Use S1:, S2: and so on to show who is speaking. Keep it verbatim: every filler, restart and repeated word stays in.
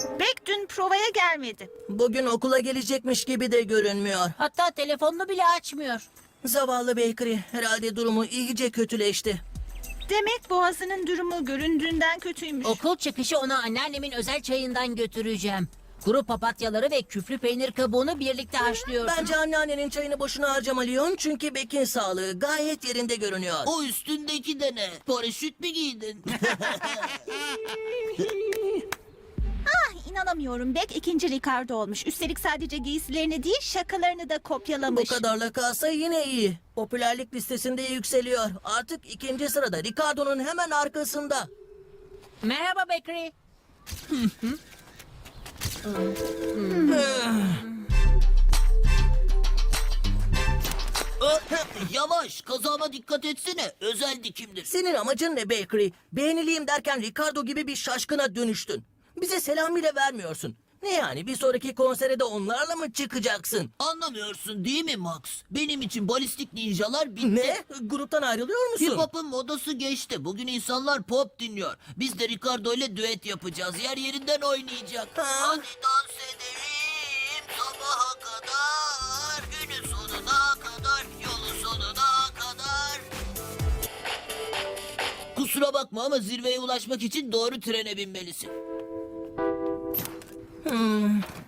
S1: Beck dün provaya gelmedi.
S2: Bugün okula gelecekmiş gibi de görünmüyor.
S3: Hatta telefonunu bile açmıyor.
S2: Zavallı Bakery herhalde durumu iyice kötüleşti.
S1: Demek boğazının durumu göründüğünden kötüymüş.
S3: Okul çıkışı ona anneannemin özel çayından götüreceğim. Kuru papatyaları ve küflü peynir kabuğunu birlikte haşlıyorsun.
S2: Bence anneannenin çayını boşuna harcama Leon, çünkü Beck'in sağlığı gayet yerinde görünüyor.
S4: O üstündeki de ne? Paraşüt mü giydin?
S1: Ah, inanamıyorum. Beck ikinci Ricardo olmuş. Üstelik sadece giysilerini değil şakalarını da
S2: Bu
S1: kopyalamış.
S2: kadarla kalsa yine iyi. Popülerlik listesinde yükseliyor. Artık ikinci sırada, Ricardo'nun hemen arkasında.
S3: Merhaba Bakery.
S4: Ö, Yavaş, kazama dikkat etsene. Özel dikimdir.
S2: Senin amacın ne Bakery? Beğeniliyim derken Ricardo gibi bir şaşkına dönüştün. Bize selam bile vermiyorsun. Ne yani, bir sonraki konsere de onlarla mı çıkacaksın?
S4: Anlamıyorsun değil mi Max? Benim için balistik ninjalar bitti.
S2: Ne? Gruptan ayrılıyor musun?
S4: Hip hop'un modası geçti. Bugün insanlar pop dinliyor. Biz de Ricardo ile düet yapacağız. Yer yerinden oynayacak.
S2: Ha?
S4: Hadi dans edelim sabaha kadar. Günün sonuna kadar. Yolun sonuna kadar. Kusura bakma ama zirveye ulaşmak için doğru trene binmelisin.
S2: Hmm,